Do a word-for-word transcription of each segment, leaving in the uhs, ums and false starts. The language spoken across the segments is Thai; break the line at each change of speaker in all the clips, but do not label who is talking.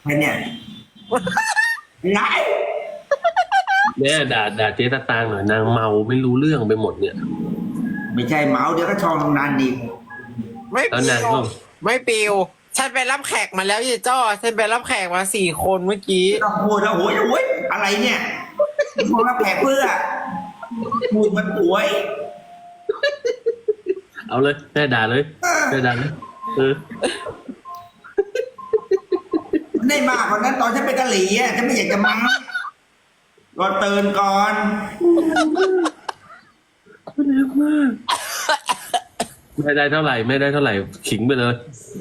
ใครเนี่ยไง
แม่ด่าด่าเจ๊ตะตางหน่อยนางเมาไม่รู้เรื่องไปหมดเนี่ย
ไม่ใช่เมาเดี๋ยวก็ชองนานอีก
ไม่
แล้ว
ปิ
นาง
ว
ก็
ไม่ปิวฉันไปรับแขกมาแล้วยี่จ้อฉันไปรับแขกมาสี่คนเมื่อกี้
ไม่ต้องพูดแล้วโอ้ยโอ้ยอะไรเนี่ยมองรับแขกเพื่อพูดมันป่วย
เอาเลยแม่ด่าเลยแม่ด่าเลยเออ
ได้มากกว่านั้นตอนฉันเป็นกะหรี่อ่ะฉันไม่อยากจะมั้งรอตื่นก่อน
เร็วมากไม่ได้เท่าไหร่ไม่ได้เท่าไหร่ขิงไปเลย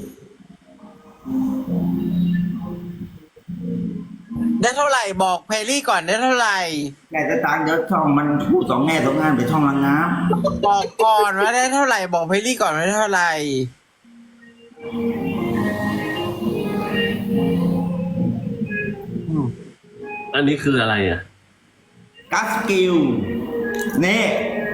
ได้เท่าไหร่บอกเพลลี่ก่อนได้เท่าไหร่
แกจะตางเดี๋ยวช่องมันพูดสองแง่สองงานไปช่องละน้
บอกก่อนว่าได้เท่าไหร่บอกเพลลี่ก่อนว่าได้เท่าไหร่
อันนี้คืออะไรอ่ะ
ำกัสกิลนี่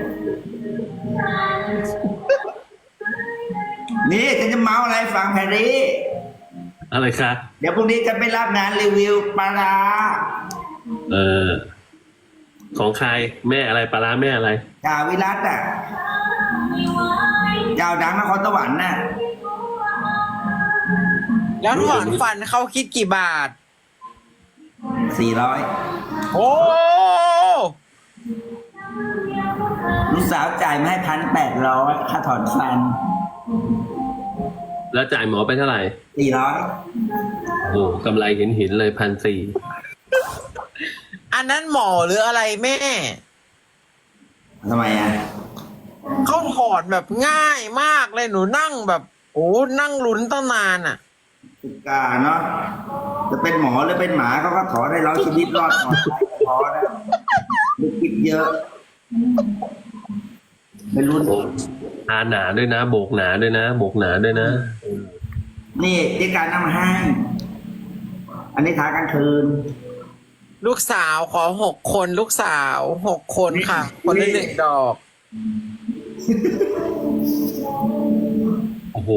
นี่ฉันจะเมาอะไรฟังแพรรี่
อะไรคะ
เดี๋ยวพรุ่งนี้จะไปรับงานรีวิวปลาร้า
เออ ของใครแม่อะไรปลาร้าแม่อะไร
จ่าวิรัตอ่ะเจ้าดังนครสวรรค์น่ะ
แล้วถอนฟันเขาคิดกี่บาท
สี่ร้อย
โอ้
ลูกสาวจ่ายมาให้พันแปดร้อยค่าถอนฟัน
แล้วจ่ายหมอไปเท่าไหร่
สี่ร้อย
โอ้กำไรเห็นเห็นเลยพันสี่
อันนั้นหมอหรืออะไรแม่
ทำไมอ่ะ
เขาถอนแบบง่ายมากเลยหนูนั่งแบบ โอ้นั่งลุ้นตั้งนานอ่ะ
สุกาเนาะจะเป็นหมอหรือเป็นหมาเขาก็ถอนได้ร้อยชีวิตรอดหมดพอแล้วไม่คิดเยอะไม่รู้
ทาหนาด้วยนะ โบกหนาด้วยนะ โบกหนาด้วยนะ
นี่ที่การนำมาให้ อันนี้ทากลางคืน
ลูกสาวขอหกคนลูกสาวหกคนค่ะ คนละหนึ่งดอก
โอ้โห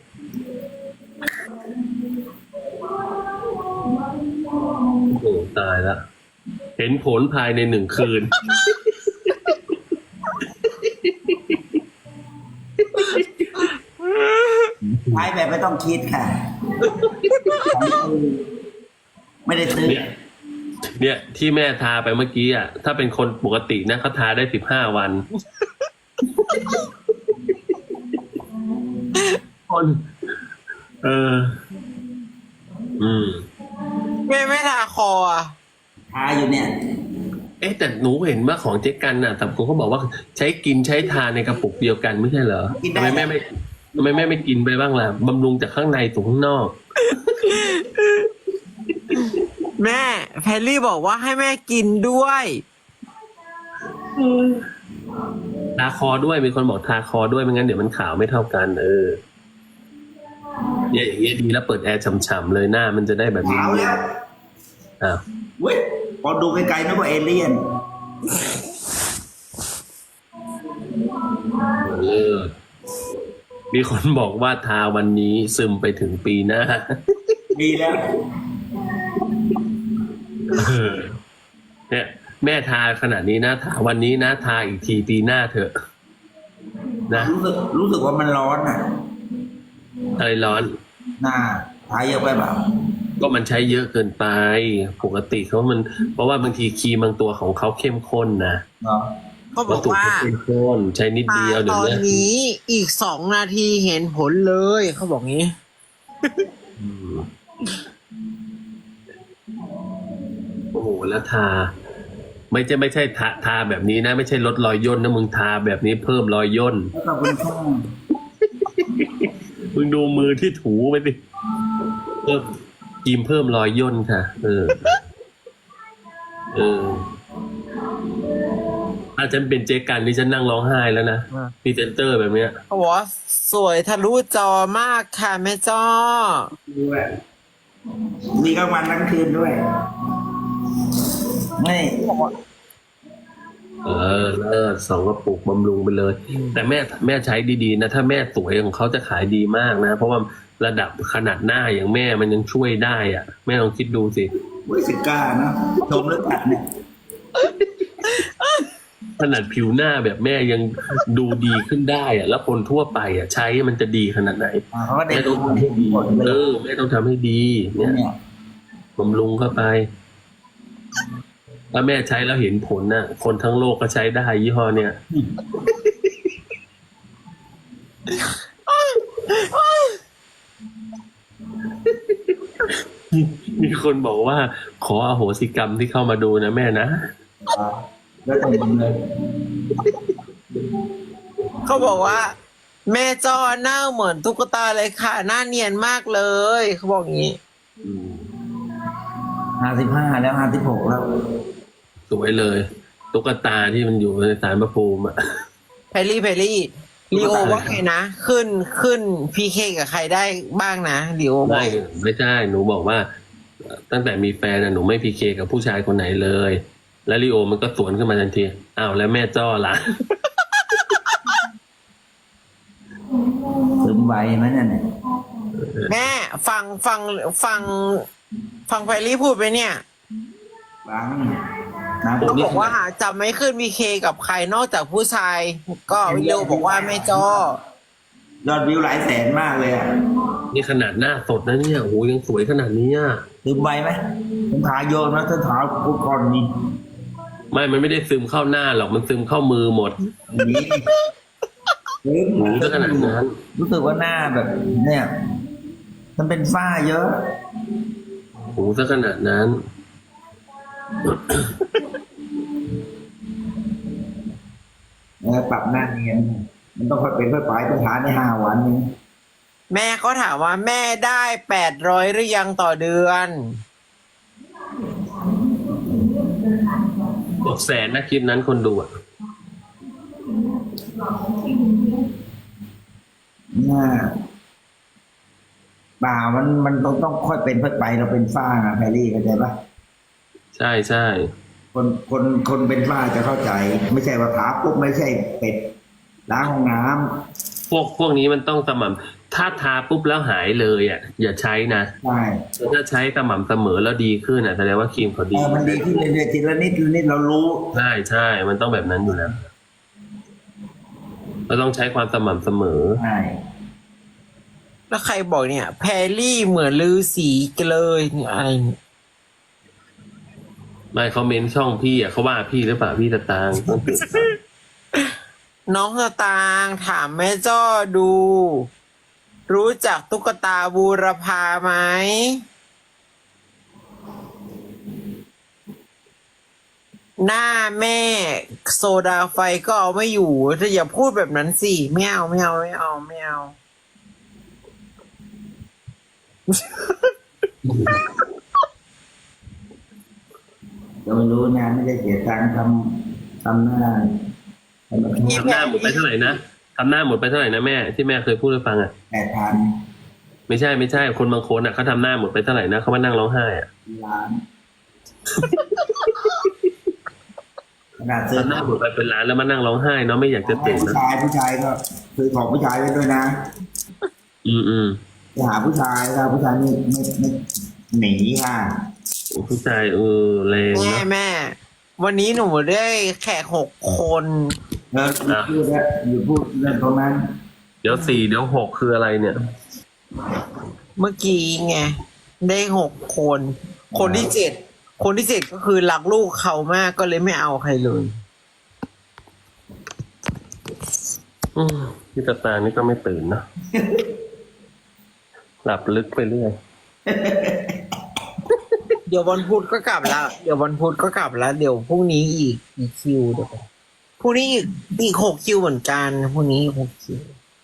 โอ้โห ตายละ เห็นผลภายในหนึ่งคืน
ใช้แบบไม่ต้องคิดค่ะ ไม่ได้ซื้อ
เนี่ย เนี่ยที่แม่ทาไปเมื่อกี้อ่ะ ถ้าเป็นคนปกตินะเขาทาได้สิบห้าวัน คน เออ อืม
แม่ไม่ทาคออ่ะ
ทาอยู่เนี่ย
เอ๊ะแต่หนูเห็นว่าของเจ๊กันน่ะแต่ผมก็บอกว่าใช้กินใช้ทานในกระปุกเดียวกันไม่ใช่เหรอทำไมแม่ไม่ทำไมแม่ไม่กินไปบ้างล่ะบำรุงจากข้างในสู่ข้างนอก
แม่แพรรี่บอกว่าให้แม่กินด้วย
ทาคอด้วยมีคนบอกทาคอด้วยไม่งั้นเดี๋ยวมันขาวไม่เท่ากัน เออเนี่ยอย่างเงี้ยดีแล้วเปิดแอร์ฉ่ำๆเลยหน้ามันจะได้แบบนี้
ขาวแล้ว
อ้าว
เว้ยพอดูไกลๆนึกว่าเอเลี่ยน
เออมีคนบอกว่าทาวันนี้ซึมไปถึงปีหน้า
ดีแล้ว
เออเนี่ยแม่ทาขนาดนี้นะทาวันนี้นะทาอีกทีปีหน้าเถอะ นะ
รู้สึกรู้สึกว่ามันร้อนอ่ะ
อะไรร้อน
หน้าทาเยอะไปเปล่า
ก็มันใช้เยอะเกินไป ปกติเขามัน เพราะว่าบางทีครีมบางตัวของเขาเข้มข้นนะ
เนาะ
เขาบอกว่า
วัตถุเข้มข้นใช้นิด
ทา
เดียวเดี๋
ต
ยว
อน
นี้
นี้อีกสองนาทีเห็นผลเลย เขาบอกงี้
อืมโอ้โหแล้วทา ไม่ใช่ไม่ใช่ทาทาแบบนี้นะ ไม่ใช่ลดรอยย่นนะมึงทาแบบนี้เพิ่มรอยย่น
ขอบคุณค่ะ
มึงดูมือที่ถูไปสิเพิ่มครีมเพิ่มรอยย่นค่ะ เออ เออถ้าฉันเป็นเจ๊กันนี่ฉันนั่งร้องไห้แล้วนะ
อ่า
พรีเซนเตอร์แบบเนี้ย
เขาบอกว่าสวยทะลุจอมากค่ะแม่จ้อ
ด้วยมีกลางวันกลางคืนด้วยไม่
เออเลิศสองกระปุกบำรุงไปเลย แต่แม่แม่ใช้ดีๆนะ ถ้าแม่สวยของเขาจะขายดีมากนะ เพราะว่าระดับขนาดหน้าอย่างแม่มันยังช่วยได้อ่ะแม่ลองคิดดูสิ
เว้ยสิกล้านะชมหรือตัดเนี่ย
ขนาดผิวหน้าแบบแม่ยังดูดีขึ้นได้อ่ะแล้วคนทั่วไปอ่ะใช้มันจะดีขนาดไหน
อ่าเขาก็ได้
แม่ต้องทำให้ดีเออแม่ต้องทำให้ดีเนี่ย
เนี่ย
บำรุงเข้าไปถ้าแม่ใช้แล้วเห็นผลน่ะ คนทั้งโลกก็ใช้ได้ยี่ห้อเนี่ยมีคนบอกว่าขออโหสิกรรมที่เข้ามาดูนะแม่นะ
อ่าแล้วแต่มึงเลย
เขาบอกว่า แม่จอหน้าเหมือนตุ๊กตาเลยค่ะ หน้าเนียนมากเลยเขาบอกอย่างนี้
ห้าสิบห้าแล้วห้าสิบหกแล้ว
สวยเลยตุ๊กตาที่มันอยู่ในศาลพระภูมิอ่ะ
แพรรี่แพรรี่ลีโอว่าไงนะ ขึ้นขึ้นพีเคกับใครได้บ้างนะลีโอบอก
ไม่ไม่ใช่หนูบอกว่า ตั้งแต่มีแฟนน่ะหนูไม่พีเคกับผู้ชายคนไหนเลย แล้วลีโอมันก็สวนขึ้นมาทันทีอ้าวแล้วแม่จ้อล่ะ
ซึมไวไหมเนี่ย
แม่ฟังฟังฟังฟังแพรรี่พูดไปเนี่ย
บางนะ
เขาบอกว่าจะไม่ขึ้นพีเคกับใครนอกจากผู้ชาย ก็ลีโอบอกว่าแม่จอย
อดวิวหลายแสนมากเลยอ่ะ
นี่ขนาดหน้าสดนะเนี่ยโอ้โหยังสวยขนาดนี้อ่ะ
ซึมไวไหมผมทาโยนนะถ้าทากูก่อนนี่
ไม่ มันไม่ได้ซึมเข้าหน้าหรอก มันซึมเข้ามือหมด
นี่ซึม
หนูจะขนาดนั้น
รู้สึกว่าหน้าแบบ เนี่ย มันเป็นฝ้าเยอะ
หนูจะขนาดนั้น
เออปรับหน้าเนียนมันต้องค่อยเป็นค่อยไปต้องทานในห้าวันนึง
แม่ก็ถามว่าแม่ได้แปดร้อยหรือยังต่อเดือน
บอกแสนนะคลิปนั้นคนดูอ่ะ
หน้าป่ามันมันต้องต้องค่อยเป็นค่อยไปเราเป็นฝ้านะแพรรี่เข้าใจปะ
ใช่ใช่
คนคนคนเป็นฝ้าจะเข้าใจ ไม่ใช่ว่าทาปุ๊บไม่ใช่เป็ดล้างห้องน้ำ
พวกพวกนี้มันต้องสม่ำถ้าทาปุ๊บแล้วหายเลยอ่ะ อย่าใช้นะ
ใช่
แต่ถ้าใช้สม่ำเสมอแล้วดีขึ้นอ่ะแสดงว่าครีมเขา
เอ
ดี
อมันดีขึ้นเรื่อยๆทีละนิดทีละนิดเรารู้
ใช่ใช่ มันต้องแบบนั้นอยู่แล้วเราต้องใช้ความสม่ำเสมอ
ใช่
แล้วใครบอกเนี่ย แพรรี่เหมือนลือสีกันเลยเนี่ยอะไรเนี่ย
ไม่เขาเมนช่องพี่อ่ะเขาว่าพี่หรือเปล่าพี่ตะตางต้องเปลี่ยน
น้องสตางค์ถามแม่จ้อดู รู้จักตุ๊กตาบูรพาไหมหน้าแม่โซดาไฟก็เอาไม่อยู่ถ้าอย่าพูดแบบนั้นสิไม่เอาไม่เอาไม่เอาไม่เอา
เราไม่รู้นะไม่ได้เสียตังค์ทำทำหน้าทำแบบ
ทำหน้าหมดไปเท่าไหร่นะทำหน้าหมดไปเท่าไหร่นะแม่ที่แม่เคยพูดให้ฟังอ่ะ
แปดพัน
ไม่ใช่ไม่ใช่คนบางคนอ่ะเขาทำหน้าหมดไปเท่าไหร่นะเขามานั่งร้องไห้อ่ะ
ล้านขนาดซื้อ
ทำหน้าหมดไปเป็นล้านแล้วมานั่งร้องไห้เนาะไม่อยากจะเตะ
ผู้
นะ
ชายผู้ชายก็ซื้อของผู้ชายไว้ด้วยนะ
อืมอืม
ไปหาผู้ชายถ้าผู้ชายไม่ไม่ไม่หนีค่ะ
ผู้ชายเออแรง
แม่
นะ
แม่ วันนี้หนูได้แขกหกคน
เออพูดแล้วอยู่พูดเรื่องตรงนั้น
เดี๋ยวสี่เดี๋ยวหกคืออะไรเนี่ย
เมื่อกี้ไงได้หกคน คนที่เจ็ดคนที่เจ็ดก็คือรักลูกเขามากก็เลยไม่เอาใครเลย
อืมพี่ตาตานี่ก็ไม่ตื่นเนอะ หลับลึกไปเรื่อย
เดี๋ยววันพุธก็กลับแล้ว เดี๋ยววันพุธก็กลับแล้ว เดี๋ยวพรุ่งนี้อีกอีกคิวเดี๋ยวพรุ่งนี้อีกอีกหกคิวเหมือนกันพรุ่งนี้อีกหกคิว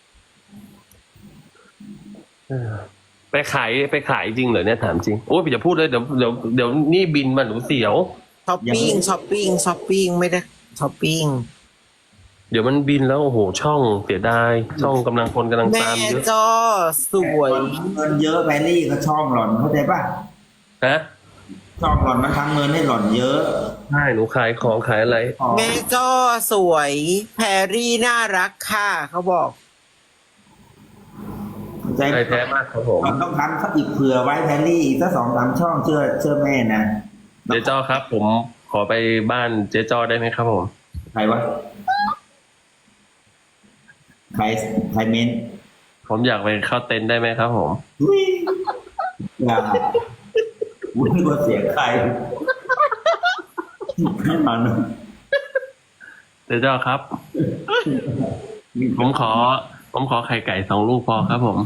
เออไปขายไปขายจริงเหรอเนี่ยถามจริงโอ้ยอย่าพูดเลยเดี๋ยวเดี๋ยวเดี๋ยวนี่บินมาหนูเสียว
ช้อปปิ้งช้อปปิ้งช้อปปิ้งไม่ได้ช้อปปิ้ง
เดี๋ยวมันบินแล้วโอ้โหช่องเสียดายช่องกำลังคนกำลัง
แม่
ตามเยอะ
จอสวย
เงินเยอะแบลลี่ก็ช่องหล่อนเข้าใจป่ะ
ฮะ
ช่องหล่อนมันทำเงินให้หล่อนเยอะ
ใช่หนูขายของขายอะไร
แม่จอสวยแพรรี่น่ารักค่ะเขาบอก
ชใจ
ใจแท้มากครับผม
เราต้องทำเขาอีกเผื่อไว้แทนนี่อีกสักสองสามช่องเชื่อเชื่อแม่นะ
เจ๊จ้อครับ ผมขอไปบ้านเจ๊จ้อได้ไหมครับผม
ใครวะใครใครเม้น
ผมอยากไปเข้าเต็นท์ได้ไหมครับผม
อุ๊ยอย่าวุ้นกว่าเสียงใครไม่มานะ
เจ๊จ้อครับ ผมขอ ผมขอไข่ไก่สองลูกพอครับผม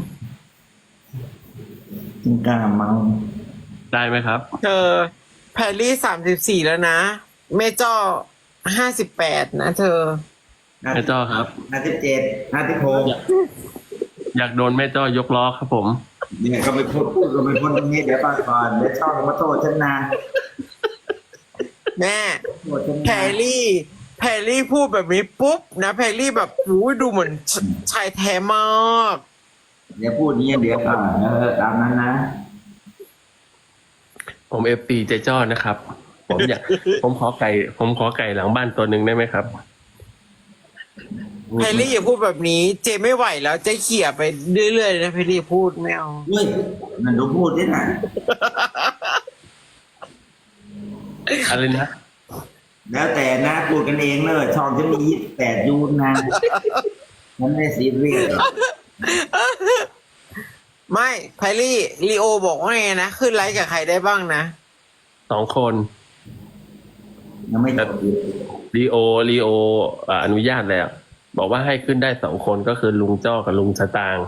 จิงกล้าเมา
ได้ไหมครับ
เธอแพรรี่สามสิบสี่แล้วนะแม่จ้อห้าสิบแปดนะเธอ
แม่จ้อครับ
ห้าสิบเจ็ดห้าสิบหก
อยากโดนแม่จ้อยกล้อครับผม
เนี่ยก็ไปพูดพูดก็ไปพูดตรงนี้เดี๋ยวฟังก่อนเดี๋ยวช่องมาโทษฉันนะ
แม่
โทษฉันนะ
แพรรี่ แพรรี่พูดแบบนี้ปุ๊บนะแพรรี่แบบอู้ยดูเหมือนชชายแท้มาก
เดี๋ยวพูดนี้เดี๋ยวก่อนเออตามนั้นนะ
ผมเอฟตีเจ๊จ้อนะครับ ผมอยาก ผมขอไก่ ผมขอไก่หลังบ้านตัวหนึ่งได้ไหมครับ
แพรรี่อย่าพูดแบบนี้ เจไม่ไหวแล้วเจเขี่ยไปเรื่อยๆนะแพรรี่พูดไม่เอา
เฮ้ยนั่นดูพูดดินะ
อะไรนะ
แล้วแต่นะพูดกันเองเลยช่องจะมียี่สิบแปดยูนนะฉันไม่ซีเรียสหรอก
ไม่แพรรี่ลีโอบอกว่าไงนะขึ้นไลฟ์กับใครได้บ้างนะ
สองคน
ยังไม่จบอีก
ลีโอลีโออ่าอนุญาตแล้ว บอกว่าให้ขึ้นได้สองคนก็คือลุงจ้อกับลุงสตางค์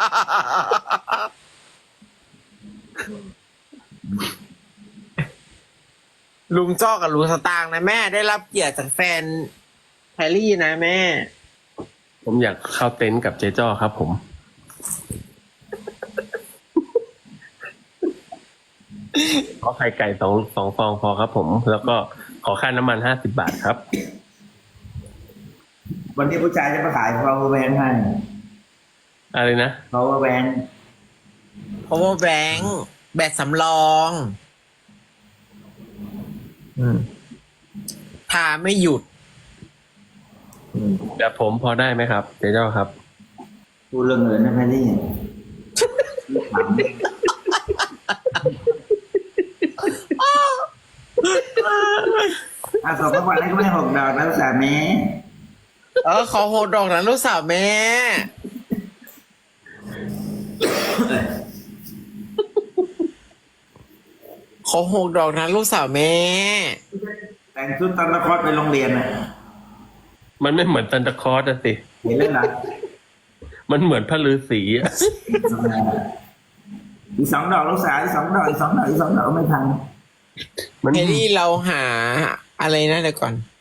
ลุงจ้อกับลุงสตางค์นะแม่ได้รับเกียรติจากแฟนแพรรี่นะแม่
ผมอยากเข้าเต็นท์กับเจ๊จ้อครับผม ขอไข่ไก่สองสองฟองพอครับผม แล้วก็ขอค่าน้ำมันห้าสิบบาทครับ
วันนี้ผู้ชายจะมาขาย power bank ให้
อะไรนะ
power bank
power bank แบตสำรองอืมทาไม่หยุด
แบบผมพอได้ไหมครับเจ๊จ้อครับ
พูดเรื่องเงินนะแพรรี่ถามอ่ะสองวันนี้ก็ไม่หกดอกนะสามี
เออขอโหดดอกนะลูกสาวแม่ ขอหกดอกนะลูกสาวแม่
แต่งชุดตันตะคอดไปโรงเรียนน่ะ
มันไม่เหมือนซันตาคลอสอะสิ
เห็นเล่นหรอ
มันเหมือนพระฤาษีอะ
อีกสองดอกลูกสาวอีกสองดอกอีกสองดอกอีกสองดอกไม่ทัน
มัน
เฮลี่เราหาอะไรนะเดี๋ยวก่อน